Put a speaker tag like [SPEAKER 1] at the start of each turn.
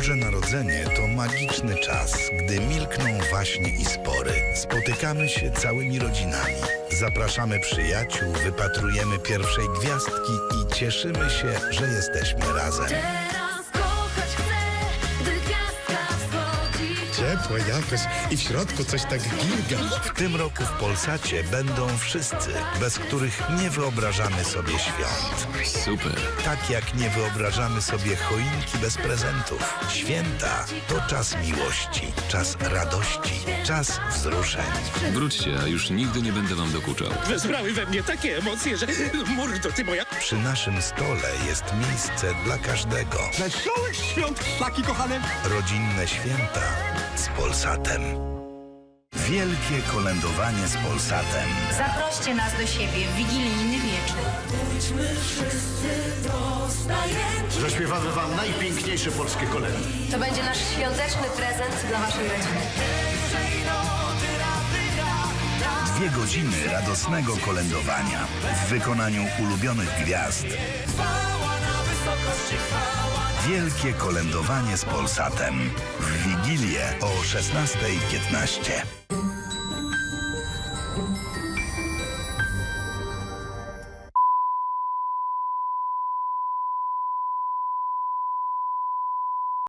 [SPEAKER 1] Boże Narodzenie to magiczny czas, gdy milkną waśnie i spory. Spotykamy się całymi rodzinami. Zapraszamy przyjaciół, wypatrujemy pierwszej gwiazdki i cieszymy się, że jesteśmy razem.
[SPEAKER 2] Teraz kochać chcę, gdy gwiazdka wschodzi.
[SPEAKER 3] Ciepło jakoś i w środku coś tak gilga.
[SPEAKER 1] W tym roku w Polsacie będą wszyscy, bez których nie wyobrażamy sobie świąt.
[SPEAKER 4] Super.
[SPEAKER 1] Tak jak nie wyobrażamy sobie choinki bez prezentów. Święta to czas miłości, czas radości, czas wzruszeń.
[SPEAKER 4] Wróćcie, a już nigdy nie będę wam dokuczał.
[SPEAKER 3] Wezbrały we mnie takie emocje, że mordo ty moja...
[SPEAKER 1] Przy naszym stole jest miejsce dla każdego.
[SPEAKER 3] Wesołych świąt, taki kochane.
[SPEAKER 1] Rodzinne święta z Polsatem. Wielkie kolędowanie z Polsatem.
[SPEAKER 5] Zaproście nas do siebie w wigilijny wieczór.
[SPEAKER 6] Zaśpiewamy wam najpiękniejsze polskie kolędy.
[SPEAKER 7] To będzie nasz świąteczny prezent dla waszej rodziny.
[SPEAKER 1] 2 godziny radosnego kolędowania w wykonaniu ulubionych gwiazd. Wielkie kolędowanie z Polsatem. W Wigilię o 16:15.